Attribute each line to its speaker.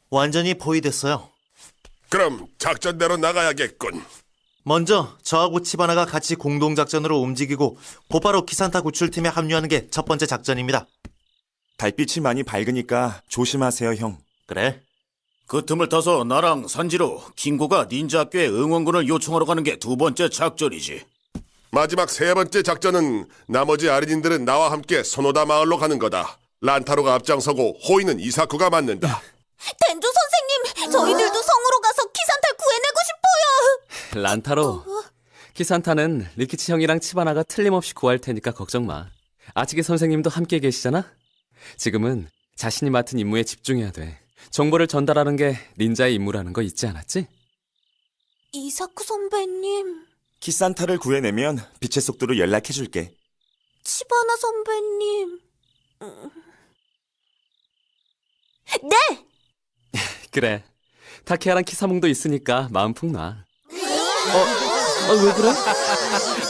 Speaker 1: 완전히 포위됐어요.
Speaker 2: 그럼 작전대로 나가야겠군.
Speaker 1: 먼저 저하고 치바나가 같이 공동작전으로 움직이고 곧바로 키산타 구출팀에 합류하는 게 첫 번째 작전입니다.
Speaker 3: 달빛이 많이 밝으니까 조심하세요, 형.
Speaker 1: 그래?
Speaker 4: 그 틈을 타서 나랑 산지로 킹고가 닌자 학교에 응원군을 요청하러 가는 게 두 번째 작전이지.
Speaker 2: 마지막 세 번째 작전은 나머지 아린인들은 나와 함께 소노다 마을로 가는 거다. 란타로가 앞장서고 호이는 이사쿠가 맡는다.
Speaker 5: 덴조 선생님, 저희들도 성으로 가서 키산타를 구해내고 싶어요.
Speaker 6: 란타로, 키산타는 리키치 형이랑 치바나가 틀림없이 구할 테니까 걱정 마. 아치게 선생님도 함께 계시잖아? 지금은 자신이 맡은 임무에 집중해야 돼. 정보를 전달하는 게 닌자의 임무라는 거 잊지 않았지?
Speaker 5: 이사쿠 선배님,
Speaker 3: 키산타를 구해내면 빛의 속도로 연락해줄게.
Speaker 5: 치바나 선배님. 네!
Speaker 6: 그래. 타케야랑 키사몽도 있으니까 마음 푹 놔. 왜 그래?